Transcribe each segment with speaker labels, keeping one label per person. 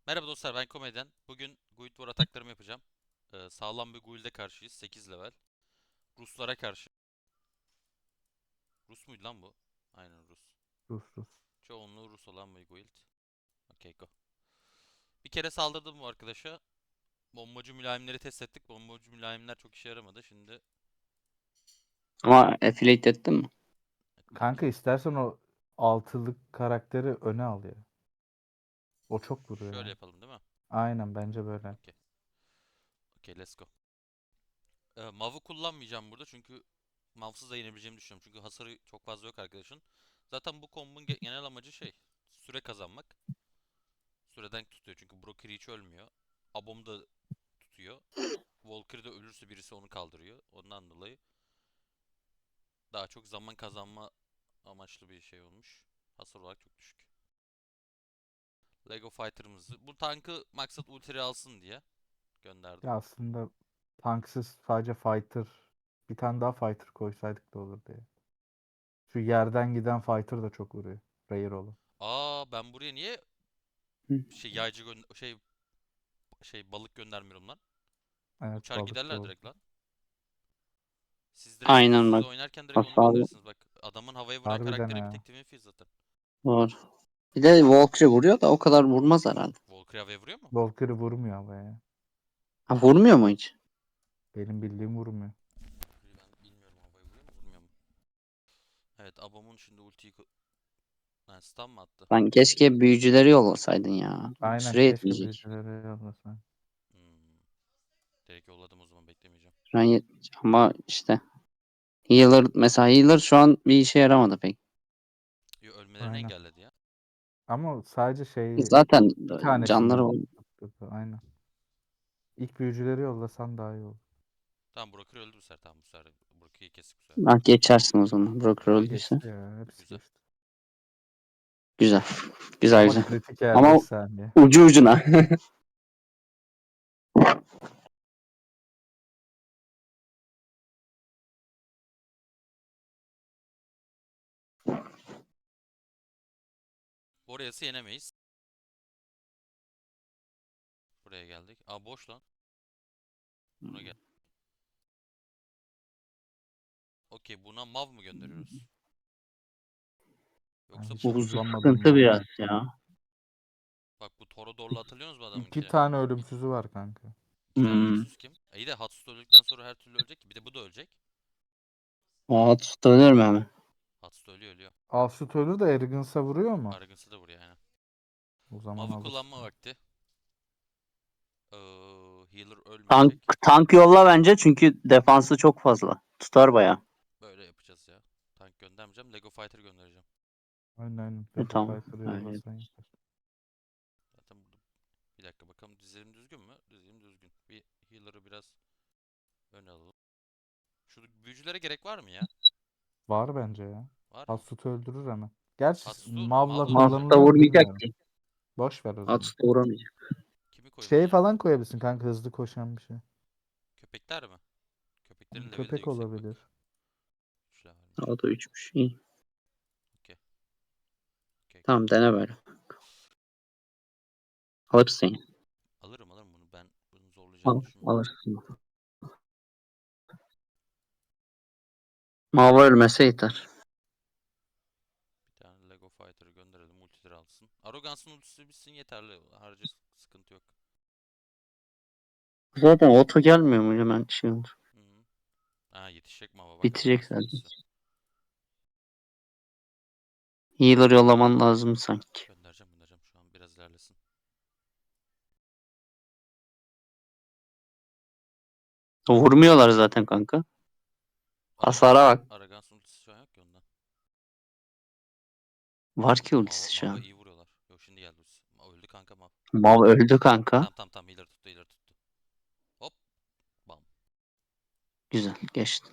Speaker 1: Merhaba dostlar, ben Komedyen. Bugün Guild War ataklarımı yapacağım. Sağlam bir guild'e karşıyız. 8 level. Ruslara karşı. Rus muydu lan bu? Aynen Rus.
Speaker 2: Rus Rus.
Speaker 1: Çoğunluğu Rus olan bir guild. Okey, go. Bir kere saldırdım bu arkadaşa. Bombacı mülayimleri test ettik. Bombacı mülayimler çok işe yaramadı. Şimdi
Speaker 3: Ama affiliate ettin mi?
Speaker 2: Kanka istersen o altılık karakteri öne al ya. O çok vuruyor
Speaker 1: şöyle
Speaker 2: ya.
Speaker 1: yapalım değil mi?
Speaker 2: Aynen bence böyle.
Speaker 1: Okey. Okey, let's go. Mav'ı kullanmayacağım burada çünkü Mav'sız da yenebileceğimi düşünüyorum. Çünkü hasarı çok fazla yok arkadaşın. Zaten bu kombun genel amacı süre kazanmak. Süreden tutuyor çünkü Broker hiç ölmüyor. Abom da tutuyor. Valkyrie de ölürse birisi onu kaldırıyor. Ondan dolayı daha çok zaman kazanma amaçlı bir şey olmuş. Hasar olarak çok düşük. Lego Fighter'ımızı. Bu tankı maksat ultiyi alsın diye gönderdim.
Speaker 2: Ya aslında tanksız sadece fighter bir tane daha fighter koysaydık da olurdu ya. Şu yerden giden fighter da çok vuruyor. Rare olan.
Speaker 1: Aa, ben buraya niye
Speaker 3: Hı.
Speaker 1: yaycı balık göndermiyorum lan?
Speaker 2: Evet
Speaker 1: Uçar
Speaker 2: balıkçı
Speaker 1: giderler
Speaker 2: oldu.
Speaker 1: direkt lan.
Speaker 3: Aynen
Speaker 1: Siz
Speaker 3: bak.
Speaker 1: oynarken direkt onu
Speaker 3: Hasarı
Speaker 1: gönderirsiniz. Bak, adamın havaya vuran
Speaker 2: Harbiden
Speaker 1: karakteri bir
Speaker 2: ha.
Speaker 1: tek Twin zaten.
Speaker 3: var. Bir de Valkyrie vuruyor da o kadar vurmaz herhalde.
Speaker 1: Valkyrie havaya vuruyor mu?
Speaker 2: Valkyrie vurmuyor ama ya.
Speaker 3: Ha, vurmuyor mu hiç?
Speaker 2: Benim bildiğim vurmuyor.
Speaker 1: Ben bilmiyorum, havaya vuruyor mu vurmuyor mu? Evet, Abom'un şimdi ha, stun mı attı?
Speaker 3: Lan keşke büyücüleri yollasaydın ya.
Speaker 2: Aynen
Speaker 3: Süre
Speaker 2: keşke
Speaker 3: yetmeyecek.
Speaker 2: büyücüleri yollasan.
Speaker 1: Hmm. Direkt yolladım, o zaman beklemeyeceğim.
Speaker 3: Süren yetmeyecek. Ama işte healer mesela healer şu an bir işe yaramadı pek.
Speaker 1: Yo, ölmelerini
Speaker 2: Aynen.
Speaker 1: engelledi ya.
Speaker 2: Ama sadece
Speaker 3: Zaten
Speaker 2: bir tanesini
Speaker 3: canları var.
Speaker 2: tutturdu. Aynen. İlk büyücüleri yollasan daha iyi olur.
Speaker 1: Tamam, Broker öldü bu sefer. Tamam, bu sefer Broker'ı kestik bu sefer.
Speaker 3: Bak geçersin o zaman. Broker
Speaker 2: O
Speaker 3: öldüyse.
Speaker 2: geçti ya. Hepsi
Speaker 1: Güzel.
Speaker 2: geçti.
Speaker 3: Güzel. Güzel
Speaker 2: Ama
Speaker 3: güzel.
Speaker 2: kritik yer 5
Speaker 3: Ama
Speaker 2: saniye.
Speaker 3: ucu ucuna.
Speaker 1: Orayası yenemeyiz. Buraya geldik. Aa, boş lan. Buna gel. Okey, buna mav mı gönderiyoruz?
Speaker 2: Ben
Speaker 1: Yoksa
Speaker 2: hiç
Speaker 3: Bu
Speaker 2: kullanmadım
Speaker 3: sıkıntı
Speaker 2: Mav'ı.
Speaker 3: biraz ya.
Speaker 1: bak, bu Torodor'la hatırlıyorsunuz mu
Speaker 2: İki
Speaker 1: adamınki?
Speaker 2: tane ölümsüzü var kanka.
Speaker 1: İki tane
Speaker 3: Hmm.
Speaker 1: ölümsüz kim? İyi de Hatsus öldükten sonra her türlü ölecek ki. Bir de bu da ölecek.
Speaker 3: Aa tutanıyorum hemen.
Speaker 1: Hatsus ölüyor.
Speaker 2: Alsut ölür de Arrogance'a vuruyor mu?
Speaker 1: Arıgınsı da vuruyor yani.
Speaker 2: O zaman
Speaker 1: Mav'ı kullanma
Speaker 2: alırsın.
Speaker 1: vakti. Healer
Speaker 3: Tank,
Speaker 1: ölmeyecek.
Speaker 3: tank yolla bence çünkü defansı çok fazla. Tutar baya.
Speaker 1: Böyle yapacağız ya. Tank göndermeyeceğim. Lego Fighter göndereceğim.
Speaker 2: Aynen aynen. Lego
Speaker 3: Tamam.
Speaker 2: Fighter'ı
Speaker 3: Öyle.
Speaker 2: yollasan yeter.
Speaker 1: Zaten burada bir dakika bakalım, dizelim düzgün mü? Dizelim düzgün. Bir healer'ı biraz öne alalım. Şu büyücülere gerek var mı ya?
Speaker 2: Var bence ya.
Speaker 1: Var mı?
Speaker 2: Alsut öldürür hemen. Gerçi
Speaker 1: Hatsu
Speaker 2: Mav'la
Speaker 1: Mav'la öldürür.
Speaker 3: Master
Speaker 2: kullanılıyor mu
Speaker 3: vurmayacak
Speaker 2: bilmiyorum.
Speaker 3: ki.
Speaker 2: Boş ver o zaman.
Speaker 3: At da vuramayacak.
Speaker 1: Kimi
Speaker 2: Şey
Speaker 1: koyabilirim?
Speaker 2: falan koyabilirsin kanka hızlı koşan bir şey.
Speaker 1: Köpekler mi? Köpeklerin leveli de
Speaker 2: Köpek
Speaker 1: yüksek bak.
Speaker 2: olabilir.
Speaker 1: 3 levelmiş.
Speaker 3: O da 3'müş. İyi.
Speaker 1: Okey. Okey, okey.
Speaker 3: Tamam dene böyle. Alırsın ya.
Speaker 1: Alırım bunu. Ben bunu zorlayacağını
Speaker 3: Al,
Speaker 1: düşünmüyorum.
Speaker 3: alırsın. Mava ölmese yeter.
Speaker 1: Bir tane Lego Fighter'ı gönderelim. Multileri alsın. Arrogance'ın ultisi bitsin yeterli. Harca sıkıntı yok.
Speaker 3: Zaten oto gelmiyor mu hemen şey olur.
Speaker 1: Hı -hı. Aa, yetişecek Mava bak,
Speaker 3: Bitecek
Speaker 1: Arrogance'ın
Speaker 3: zaten.
Speaker 1: ultisi.
Speaker 3: Healer yollaman lazım sanki.
Speaker 1: Göndereceğim şu an. Biraz ilerlesin.
Speaker 3: Vurmuyorlar zaten kanka. Hasara bak.
Speaker 1: Arrogance'ın ultisi şu an yok ki ondan.
Speaker 3: Var ki
Speaker 1: Mava,
Speaker 3: ultisi şu
Speaker 1: Mava
Speaker 3: an.
Speaker 1: iyi vuruyorlar. Yok, şimdi geldi ultisi. Öldü kanka Mav.
Speaker 3: Mav öldü kanka.
Speaker 1: Tamam, ileri tuttu. Hop, bam.
Speaker 3: Güzel geçti.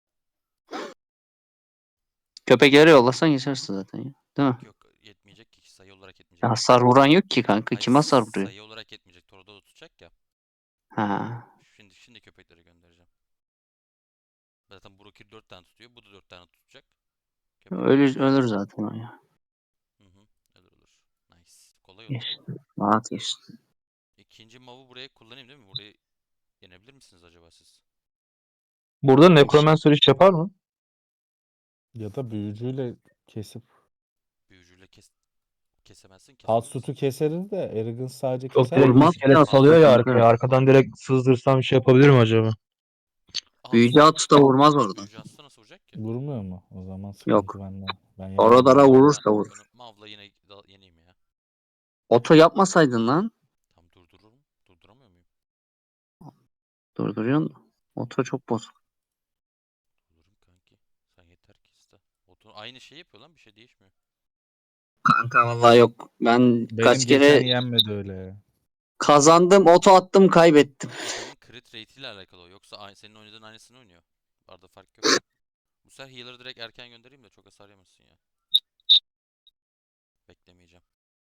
Speaker 3: Köpekleri yollasan geçersin zaten ya. Değil mi?
Speaker 1: Yok, yetmeyecek ki, sayı olarak
Speaker 3: Ya
Speaker 1: yetmeyecek.
Speaker 3: hasar vuran yok ki kanka.
Speaker 1: Hayır,
Speaker 3: Kim hasar vuruyor?
Speaker 1: sayı olarak yetmeyecek. Toro'da da tutacak ya.
Speaker 3: Ha.
Speaker 1: Şimdi köpekleri göndereceğim. Zaten Brokir 4 tane tutuyor. Bu da 4 tane tutacak. Köpekleri
Speaker 3: Ölür,
Speaker 1: göndereceğim.
Speaker 3: ölür zaten o ya.
Speaker 1: Hı hı. Olur. Nice. Kolay kolay olur.
Speaker 3: Geçti. Rahat geçti.
Speaker 1: İkinci mav'ı buraya kullanayım değil mi? Burayı yenebilir misiniz acaba siz?
Speaker 4: Burada Necromancer iş yapar mı?
Speaker 2: Ya da büyücüyle kesip
Speaker 1: Büyücüyle kesemezsin, kesebilir
Speaker 2: Hatsut'u
Speaker 1: misin?
Speaker 2: keseriz de Arrogance sadece
Speaker 4: Çok
Speaker 2: keser
Speaker 4: direkt
Speaker 2: mi?
Speaker 3: Vurmaz
Speaker 4: iskelet
Speaker 3: ki
Speaker 4: salıyor ya
Speaker 3: aslında
Speaker 4: arkaya.
Speaker 3: kanka.
Speaker 4: Arkadan direkt sızdırsam bir şey yapabilir mi acaba?
Speaker 3: Büyücü Atsu da vurmaz orada.
Speaker 1: Büyücü hasta nasıl vuracak ki?
Speaker 2: Vurmuyor mu? O zaman sıkıntı
Speaker 3: Yok.
Speaker 2: bende. Ben
Speaker 3: Oralara
Speaker 2: yenemiyorum.
Speaker 3: vurursa
Speaker 1: Ben
Speaker 3: vurur.
Speaker 1: Mav'la yine yeneyim ya.
Speaker 3: Oto yapmasaydın lan.
Speaker 1: Tam durdururum. Durduramıyor muyum?
Speaker 3: Durduruyorsun. Oto çok bozuk.
Speaker 1: Durdururum kanki. Sen yeter ki iste. Aynı şeyi yapıyor lan, bir şey değişmiyor.
Speaker 3: Kanka vallahi yok. Ben
Speaker 2: Benim
Speaker 3: kaç
Speaker 2: geçen
Speaker 3: kere
Speaker 2: yenmedi öyle ya.
Speaker 3: kazandım, oto attım, kaybettim.
Speaker 1: Adamın crit rate ile alakalı o. Yoksa senin oynadığın aynısını oynuyor. Arada fark yok. Bu sefer healer'ı direkt erken göndereyim de çok hasar yemesin ya. Beklemeyeceğim.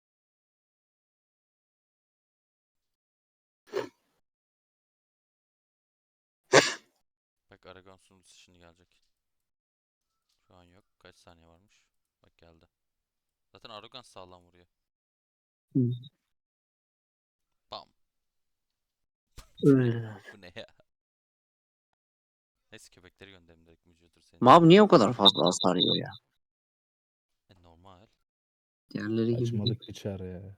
Speaker 1: Bak Aragon sunucusu şimdi gelecek. Şu an yok. Kaç saniye varmış? Bak geldi. Zaten Aragon sağlam vuruyor. Bam. Bu ne ya? Neyse köpekleri gönderelim direkt vücudur senin.
Speaker 3: Mav niye o kadar fazla hasar yiyor ya?
Speaker 1: Normal.
Speaker 3: Diğerleri gibi değil.
Speaker 2: Açmadık biçer ya.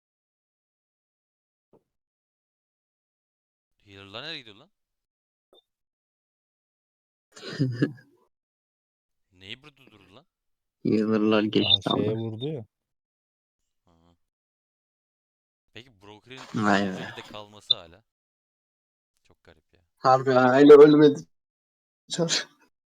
Speaker 1: Healer'lar nereye gidiyor lan? Neyi burada durdu lan?
Speaker 3: Healer'lar
Speaker 2: Aa,
Speaker 3: geçti
Speaker 2: şeye
Speaker 3: ama.
Speaker 2: vurdu ya.
Speaker 1: Ha. Peki Broker'in
Speaker 3: Vay
Speaker 1: bu
Speaker 3: be.
Speaker 1: şekilde kalması hala. Çok garip ya.
Speaker 3: Harbi hala ölmedi. Çar.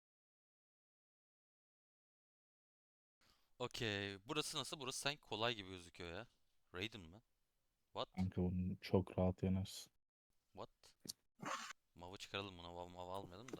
Speaker 1: Okey. Burası nasıl? Burası sanki kolay gibi gözüküyor ya. Raiden mı? What?
Speaker 2: Kanka bunu çok rahat yenersin.
Speaker 1: What? Mav'ı çıkaralım buna. Mav almayalım da.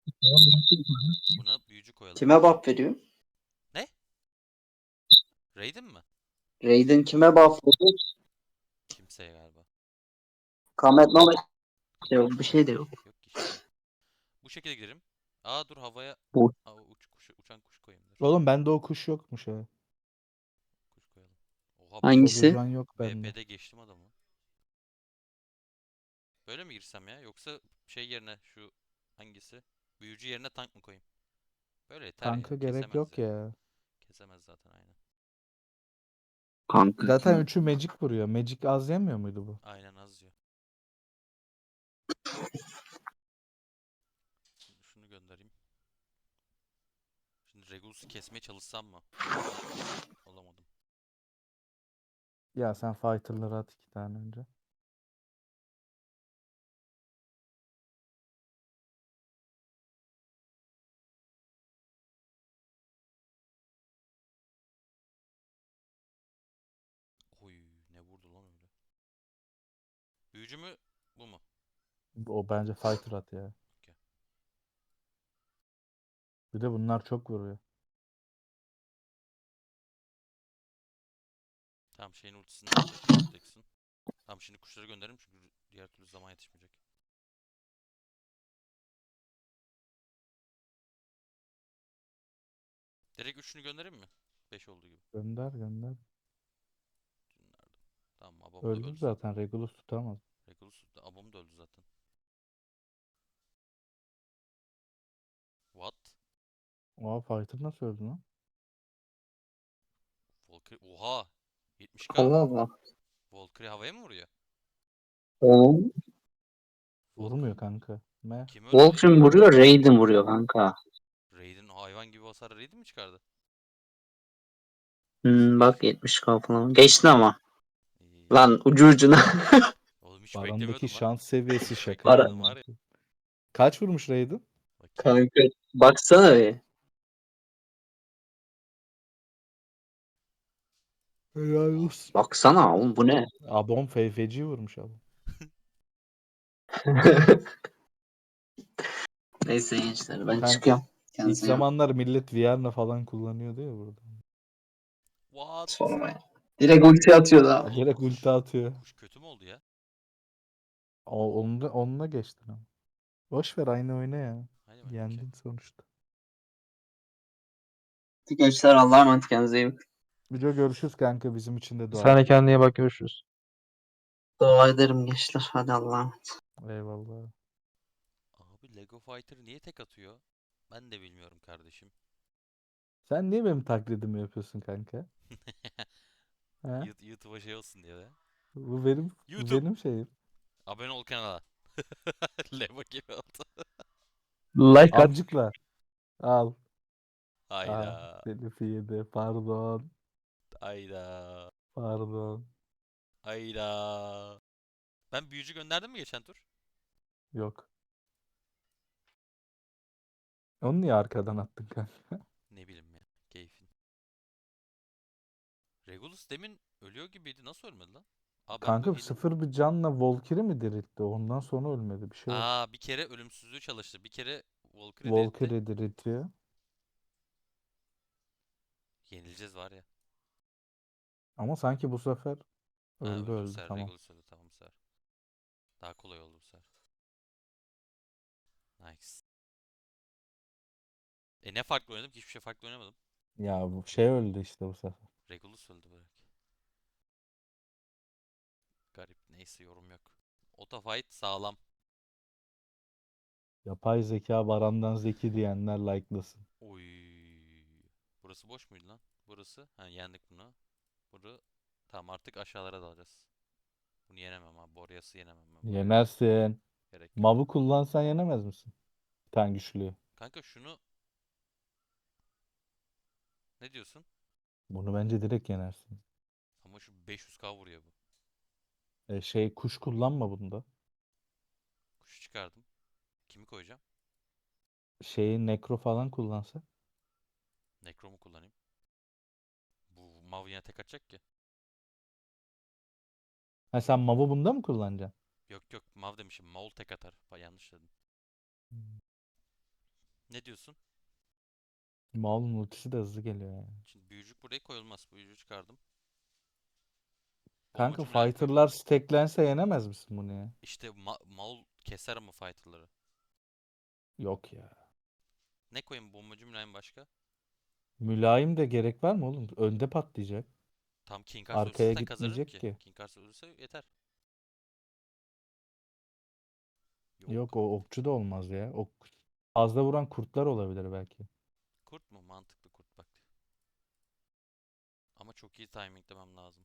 Speaker 1: Buna büyücü koyalım.
Speaker 3: Kime buff veriyor?
Speaker 1: Ne? Raiden mi?
Speaker 3: Raiden kime buff veriyor?
Speaker 1: Kimseye galiba.
Speaker 3: Kamet Mamet. Yok bir şey de yok.
Speaker 1: Yok ki hiçbir şey. Bu şekilde gidelim. Aa dur havaya.
Speaker 3: Bu.
Speaker 1: Aa, uçan kuş koyayım dur.
Speaker 2: Oğlum bende o kuş yokmuş ha.
Speaker 1: Kuş koyalım. Oha
Speaker 3: Hangisi?
Speaker 2: Kovucan yok bende.
Speaker 1: VP'de geçtim adamı. Böyle mi girsem ya? Yoksa şey yerine şu hangisi? Büyücü yerine tank mı koyayım? Böyle yeter ya.
Speaker 2: Kanka gerek
Speaker 1: Kesemez
Speaker 2: yok
Speaker 1: ya.
Speaker 2: ya.
Speaker 1: Kesemez zaten aynen.
Speaker 3: Kanka
Speaker 2: Zaten
Speaker 3: kim?
Speaker 2: üçü Magic vuruyor. Magic az yemiyor muydu bu?
Speaker 1: Aynen az diyor. Şimdi şunu göndereyim. Şimdi Regulus'u kesmeye çalışsam mı? Olamadım.
Speaker 2: Ya sen fighter'ları at 2 tane önce.
Speaker 1: Oy ne vurdu lan öyle. Büyücü mü? Bu mu?
Speaker 2: O bence fighter at ya.
Speaker 1: Okey.
Speaker 2: Bir de bunlar çok vuruyor.
Speaker 1: Tamam şeyin ultisini de atacak. Vortex'in. Tamam şimdi kuşları gönderelim çünkü diğer türlü zaman yetişmeyecek. Direkt üçünü göndereyim mi? 5 olduğu gibi.
Speaker 2: Gönder gönder.
Speaker 1: Nerede? Tamam Abam da
Speaker 2: Öldü
Speaker 1: öldü zaten.
Speaker 2: zaten. Regulus tutamaz.
Speaker 1: Regulus da Abam da öldü zaten. What?
Speaker 2: Oha fighter nasıl öldü lan?
Speaker 1: Valkyrie. Oha! 70k.
Speaker 3: Allah Allah.
Speaker 1: Valkyrie havaya mı vuruyor?
Speaker 3: Oğlum.
Speaker 2: Vurmuyor kanka. Me.
Speaker 1: Kim öldürdü?
Speaker 3: Wolfram vuruyor, Raiden vuruyor kanka.
Speaker 1: Raiden hayvan gibi hasar Raiden mi çıkardı?
Speaker 3: Bak 70k falan. Geçti ama.
Speaker 1: İyi.
Speaker 3: Lan ucu ucuna.
Speaker 1: Oğlum hiç
Speaker 2: Baran'daki
Speaker 1: beklemiyordum lan.
Speaker 2: şans seviyesi
Speaker 1: Hiç
Speaker 2: şaka ya.
Speaker 1: beklemiyordum var ya.
Speaker 2: Kaç vurmuş Raiden?
Speaker 1: Bakayım.
Speaker 3: Kanka baksana bir.
Speaker 2: Helal olsun.
Speaker 3: Baksana oğlum bu ne?
Speaker 2: Abom feci vurmuş abi.
Speaker 3: Neyse gençler ben
Speaker 2: Kanka
Speaker 3: çıkıyorum.
Speaker 2: ilk
Speaker 3: Kendinize iyi bakın.
Speaker 2: zamanlar millet Vierna falan kullanıyordu ya burada.
Speaker 1: What?
Speaker 3: Sorma ya. Direkt ulti atıyordu
Speaker 2: Ya
Speaker 3: abi.
Speaker 2: direkt ulti atıyor.
Speaker 1: Kuş kötü mü oldu ya?
Speaker 2: Onunla geçtin ama. Boş ver aynı oyna ya.
Speaker 1: Hadi bakayım.
Speaker 2: Yendin sonuçta.
Speaker 3: Gençler Allah'a emanet kendinize iyi bakın.
Speaker 2: Müco görüşürüz kanka. Bizim için de dua
Speaker 4: Sen de
Speaker 2: et.
Speaker 4: kendine iyi bak, görüşürüz.
Speaker 3: Dua ederim gençler. Hadi Allah'a emanet.
Speaker 2: Eyvallah.
Speaker 1: Abi Lego Fighter niye tek atıyor? Ben de bilmiyorum kardeşim.
Speaker 2: Sen niye benim taklidimi yapıyorsun kanka? He?
Speaker 1: YouTube'a şey olsun diye de.
Speaker 2: Bu
Speaker 1: YouTube.
Speaker 2: benim şeyim.
Speaker 1: Abone ol kanala. Lego gibi oldu.
Speaker 4: Like at.
Speaker 2: Amcıkla. Al. Aa,
Speaker 1: Hayda.
Speaker 2: telifi yedi. Pardon.
Speaker 1: Hayda.
Speaker 2: Pardon.
Speaker 1: Hayda. Ben büyücü gönderdim mi geçen tur?
Speaker 2: Yok. Onu niye arkadan attın kanka?
Speaker 1: Ne bileyim ya. Keyfin. Regulus demin ölüyor gibiydi. Nasıl ölmedi lan? Aa ben bu
Speaker 2: Kanka
Speaker 1: hile...
Speaker 2: sıfır bir canla Valkyrie mi diriltti? Ondan sonra ölmedi. Bir şey oldu.
Speaker 1: Aa bir kere ölümsüzlüğü çalıştı. Bir kere Valkyrie diriltti.
Speaker 2: Valkyrie diriltiyor.
Speaker 1: Yenileceğiz var ya.
Speaker 2: Ama sanki bu sefer
Speaker 1: Ha
Speaker 2: öldü
Speaker 1: öldü bu
Speaker 2: öldü
Speaker 1: sefer.
Speaker 2: tamam.
Speaker 1: Regulus öldü. Tamam bu sefer. Daha kolay oldu bu sefer. Nice. Ne farklı oynadım ki? Hiçbir şey farklı oynamadım.
Speaker 2: Ya bu şey öldü işte bu sefer.
Speaker 1: Regulus öldü bırak. Garip. Neyse yorum yok. Ota fight sağlam.
Speaker 2: Yapay zeka Baran'dan zeki diyenler like'lasın.
Speaker 1: Oy. Burası boş muydu lan? Burası. Ha yendik bunu. Bunu. Tamam artık aşağılara dalacağız. Bunu yenemem abi. Boreas'ı yenemem ben. Buraya
Speaker 2: Yenersin.
Speaker 1: gerek yok.
Speaker 2: Mav'u kullansan yenemez misin? Bir tane güçlüyü.
Speaker 1: Kanka şunu ne diyorsun?
Speaker 2: Bunu bence direkt yenersin.
Speaker 1: Ama şu 500k vuruyor bu.
Speaker 2: Şey kuş kullanma bunda.
Speaker 1: Kuşu çıkardım. Kimi koyacağım?
Speaker 2: Şeyi nekro falan kullansa.
Speaker 1: Necrom'u kullanayım. Bu Mav yine tek atacak ki.
Speaker 2: Ha sen Mav'u bunda mı kullanacaksın?
Speaker 1: Yok yok Mav demişim. Maul tek atar. Yanlış dedim. Ne diyorsun?
Speaker 2: Mav'un ultisi de hızlı geliyor yani.
Speaker 1: Şimdi büyücük buraya koyulmaz. Büyücü çıkardım.
Speaker 2: Kanka
Speaker 1: Bombacı Mülayim koyacağım.
Speaker 2: fighter'lar stacklense yenemez misin bunu ya?
Speaker 1: İşte Maul keser ama fighter'ları.
Speaker 2: Yok ya.
Speaker 1: Ne koyayım bombacı Mülayim başka?
Speaker 2: Mülayim de gerek var mı oğlum? Önde patlayacak.
Speaker 1: Tam King Kars ölürse
Speaker 2: Arkaya
Speaker 1: zaten kazanırım
Speaker 2: gitmeyecek
Speaker 1: ki.
Speaker 2: ki.
Speaker 1: King Kars ölürse yeter.
Speaker 2: Yok
Speaker 1: Yok.
Speaker 2: o okçu da olmaz ya. Fazla vuran kurtlar olabilir belki.
Speaker 1: Kurt mu? Mantıklı kurt bak. Ama çok iyi timinglemem lazım.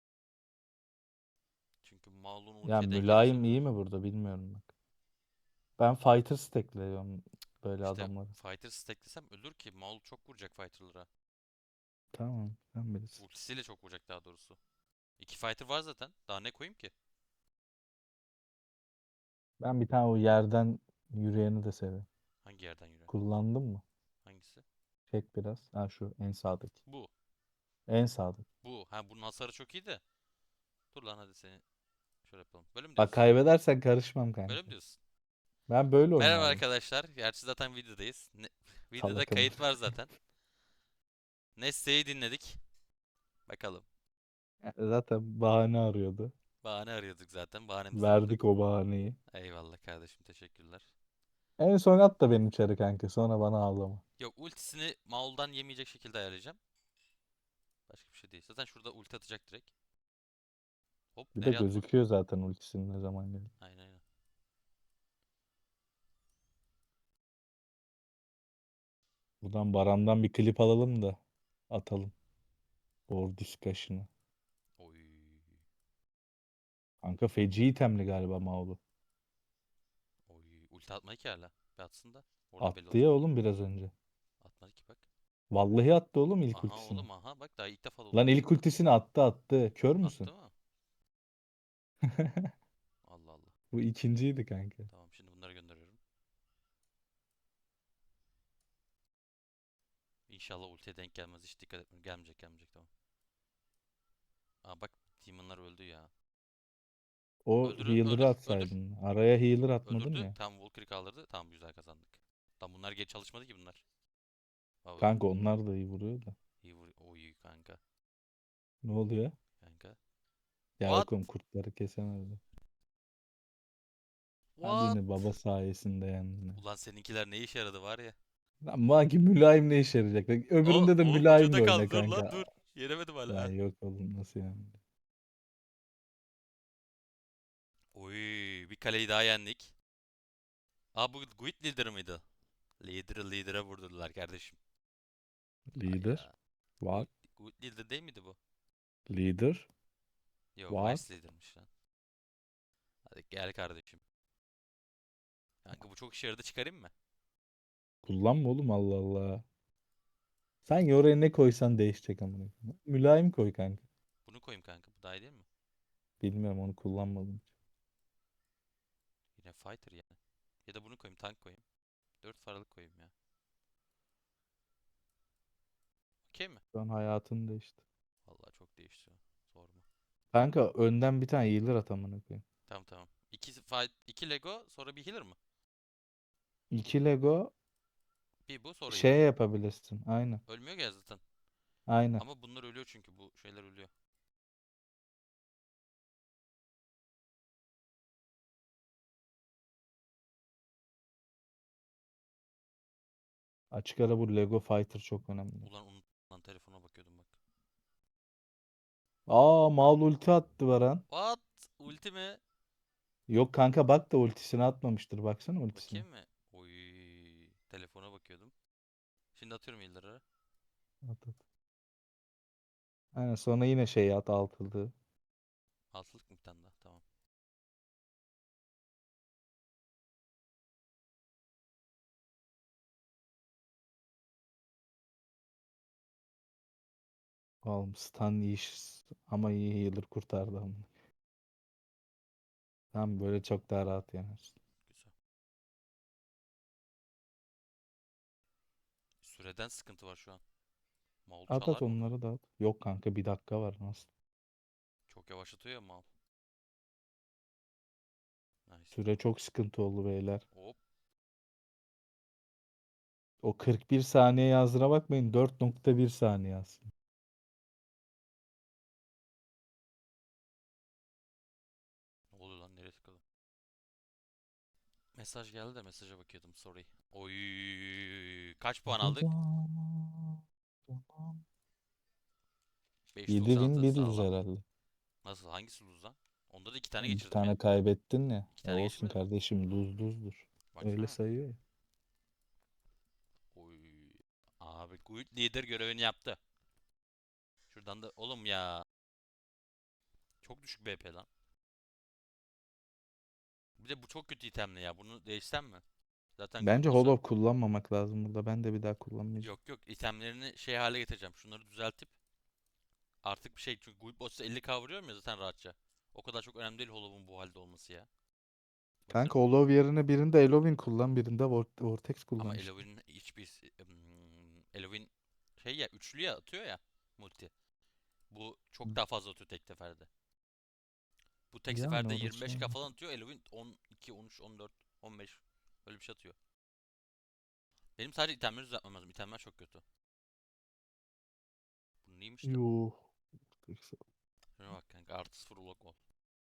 Speaker 1: Çünkü Maul'un
Speaker 2: Ya
Speaker 1: ultiye denk
Speaker 2: mülayim
Speaker 1: gelirse
Speaker 2: iyi
Speaker 1: ölür.
Speaker 2: mi burada bilmiyorum bak. Ben fighter stackliyorum böyle
Speaker 1: İşte
Speaker 2: adamları.
Speaker 1: fighter stacklesem ölür ki. Maul çok vuracak fighter'lara.
Speaker 2: Tamam sen bilirsin.
Speaker 1: Ultisiyle çok vuracak daha doğrusu. İki fighter var zaten. Daha ne koyayım ki?
Speaker 2: Ben bir tane o yerden yürüyeni de seviyorum.
Speaker 1: Hangi yerden yürüyen?
Speaker 2: Kullandın mı?
Speaker 1: Hangisi?
Speaker 2: Çek biraz. Ha şu en sağdaki.
Speaker 1: Bu.
Speaker 2: En sağdaki.
Speaker 1: Bu. Ha bunun hasarı çok iyi de. Dur lan hadi seni şöyle yapalım. Böyle mi
Speaker 2: Bak
Speaker 1: diyorsun?
Speaker 2: kaybedersen karışmam
Speaker 1: Böyle mi
Speaker 2: kanka.
Speaker 1: diyorsun?
Speaker 2: Ben böyle
Speaker 1: Merhaba
Speaker 2: oynardım.
Speaker 1: arkadaşlar. Gerçi zaten videodayız. Videoda
Speaker 2: Salak ama.
Speaker 1: kayıt var zaten. Neste'yi dinledik. Bakalım.
Speaker 2: Zaten bahane arıyordu.
Speaker 1: Bahane arıyorduk zaten. Bahanemizi bulduk.
Speaker 2: Verdik o bahaneyi.
Speaker 1: Eyvallah kardeşim teşekkürler.
Speaker 2: En son at da beni içeri kanka. Sonra bana ağlama.
Speaker 1: Yok ultisini Maul'dan yemeyecek şekilde ayarlayacağım. Başka bir şey değil. Zaten şurada ulti atacak direkt. Hop
Speaker 2: Bir de
Speaker 1: nereye atma?
Speaker 2: gözüküyor zaten ultisinin ne zaman geldi.
Speaker 1: Aynen aynen.
Speaker 2: Buradan Baran'dan bir klip alalım da atalım. Board discussion'ı.
Speaker 1: Oy.
Speaker 2: Kanka feci itemli galiba Maulu.
Speaker 1: Oy. Ulti atmadı ki hala. Bir atsın da. Orada belli
Speaker 2: Attı ya
Speaker 1: olacak.
Speaker 2: oğlum biraz önce.
Speaker 1: Atmadı ki bak.
Speaker 2: Vallahi attı oğlum ilk
Speaker 1: Aha
Speaker 2: ultisini.
Speaker 1: oğlum aha bak daha ilk defa da
Speaker 2: Lan
Speaker 1: ulti
Speaker 2: ilk
Speaker 1: atıyor.
Speaker 2: ultisini attı. Kör müsün?
Speaker 1: Attı mı? Allah Allah.
Speaker 2: Bu ikinciydi kanka.
Speaker 1: Tamam şimdi bunları gönderiyorum. İnşallah ultiye denk gelmez. Hiç dikkat etmiyorum. Gelmeyecek gelmeyecek tamam. Aa bak Demon'lar öldü ya.
Speaker 2: O
Speaker 1: Öldürün
Speaker 2: healer'ı
Speaker 1: öldür öldür.
Speaker 2: atsaydın. Araya healer atmadın
Speaker 1: Öldürdü.
Speaker 2: ya.
Speaker 1: Tamam Valkyrie kaldırdı. Tamam güzel kazandık. Tamam bunlar geç çalışmadı ki bunlar. Aa öldü.
Speaker 2: Kanka onlar da iyi vuruyor da.
Speaker 1: İyi vur. O iyi kanka.
Speaker 2: Ne oluyor?
Speaker 1: Kanka.
Speaker 2: Ya
Speaker 1: What?
Speaker 2: yok oğlum kurtları kesemezdi. Hadi
Speaker 1: What?
Speaker 2: yine baba sayesinde yendin.
Speaker 1: Ulan seninkiler ne işe yaradı var ya.
Speaker 2: Lan Maki mülayim ne işe yarayacak? Bak,
Speaker 1: O
Speaker 2: öbüründe de
Speaker 1: oğlum Müco
Speaker 2: mülayim
Speaker 1: da
Speaker 2: de
Speaker 1: kaldı.
Speaker 2: oyna
Speaker 1: Dur lan
Speaker 2: kanka.
Speaker 1: dur. Yenemedim hala.
Speaker 2: Ya
Speaker 1: Ha.
Speaker 2: yok oğlum, nasıl yani?
Speaker 1: Oy, bir kaleyi daha yendik. Aa, bu Guild Leader mıydı? Leader'a vurdular kardeşim.
Speaker 2: Leader
Speaker 1: Hayda.
Speaker 2: var.
Speaker 1: Guild Leader değil miydi bu?
Speaker 2: Leader
Speaker 1: Yo,
Speaker 2: var.
Speaker 1: Vice Leader'mış lan. Hadi gel kardeşim. Kanka bu çok işe yaradı, çıkarayım mı?
Speaker 2: Kullanma oğlum, Allah Allah. Sen oraya ne koysan değişecek amına koyayım. Mülayim koy kanka.
Speaker 1: Bunu koyayım kanka, bu daha iyi değil mi?
Speaker 2: Bilmiyorum, onu kullanmadım.
Speaker 1: Yine Fighter yani. Ya da bunu koyayım, tank koyayım. 4 paralık koyayım ya. Okey mi?
Speaker 2: Şu an hayatın değişti.
Speaker 1: Vallahi çok değişti. Sorma.
Speaker 2: Kanka önden bir tane healer at amına koyayım.
Speaker 1: Tamam tamam. İki Lego sonra bir healer mı?
Speaker 2: 2 Lego
Speaker 1: Bir bu sonra
Speaker 2: şey
Speaker 1: healer.
Speaker 2: yapabilirsin. Aynen.
Speaker 1: Ölmüyor ya zaten.
Speaker 2: Aynen.
Speaker 1: Ama bunlar ölüyor çünkü bu şeyler ölüyor.
Speaker 2: Açık ara bu Lego Fighter çok önemli.
Speaker 1: Ulan unuttum lan, telefona bakıyordum bak.
Speaker 2: Aa, Maul ulti attı Baran.
Speaker 1: What? Ulti mi?
Speaker 2: Yok kanka, bak da ultisini atmamıştır. Baksana ultisine.
Speaker 1: Bakayım mı? Oy, telefona bakıyordum. Şimdi atıyorum healer'ı.
Speaker 2: At, at. Aynen, sonra yine şey at, altıldı.
Speaker 1: Altılık mı bir tane daha? Tamam.
Speaker 2: Oğlum stun iyi ama iyi healer kurtardı ama. Tamam, böyle çok daha rahat yenersin.
Speaker 1: Güzel. Süreden sıkıntı var şu an. Maul
Speaker 2: At
Speaker 1: çalar
Speaker 2: at,
Speaker 1: mı onu?
Speaker 2: onları da at. Yok kanka, bir dakika var, nasıl?
Speaker 1: Çok yavaşlatıyor ya Maul. Nice.
Speaker 2: Süre çok sıkıntı oldu beyler.
Speaker 1: Hop.
Speaker 2: O 41 saniye yazdığına bakmayın, 4.1 saniye yazsın.
Speaker 1: Ne oluyor lan, nereye tıkladım? Mesaj geldi de mesaja bakıyordum, sorry. Oy, kaç puan aldık? 5.96
Speaker 2: 7.100
Speaker 1: sağlam.
Speaker 2: herhalde.
Speaker 1: Nasıl, hangisi lose lan? Onda da 2 tane
Speaker 2: Bir
Speaker 1: geçirdim ya.
Speaker 2: tane kaybettin ya.
Speaker 1: 2
Speaker 2: E
Speaker 1: tane
Speaker 2: olsun
Speaker 1: geçirmedim mi?
Speaker 2: kardeşim, duzdur. Öyle
Speaker 1: Baksana.
Speaker 2: sayıyor ya.
Speaker 1: Oy. Abi Guild Leader görevini yaptı. Şuradan da oğlum ya. Çok düşük BP lan. Bir de bu çok kötü itemli ya. Bunu değişsem mi? Zaten Guild
Speaker 2: Bence
Speaker 1: Boss'a...
Speaker 2: Hollow kullanmamak lazım burada. Ben de bir daha kullanmayacağım.
Speaker 1: Yok yok, itemlerini şey hale getireceğim. Şunları düzeltip artık bir şey, çünkü Guild Boss'a 50k vuruyorum ya zaten rahatça. O kadar çok önemli değil Hollow'un bu halde olması ya.
Speaker 2: Kanka
Speaker 1: Baksana.
Speaker 2: Hollow yerine birinde Elovin kullan, birinde Vortex
Speaker 1: Ama
Speaker 2: kullan işte.
Speaker 1: Eloy'un hiçbir Eloy'un şey ya, üçlü ya, atıyor ya multi. Bu çok daha fazla atıyor tek seferde. Bu tek
Speaker 2: Yani
Speaker 1: seferde
Speaker 2: orası
Speaker 1: 25k
Speaker 2: öyle.
Speaker 1: falan atıyor. Eloy'un 12, 13, 14, 15 öyle bir şey atıyor. Benim sadece itemleri düzeltmem lazım. İtemler çok kötü. Bu neymiş lan?
Speaker 2: Yuh.
Speaker 1: Şuna bak kanka, artı 0 ulok ol.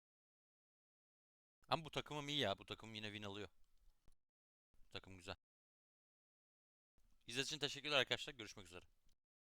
Speaker 1: Ama bu takımım iyi ya. Bu takım yine win alıyor. Bu takım güzel. İzlediğiniz için teşekkürler arkadaşlar. Görüşmek üzere.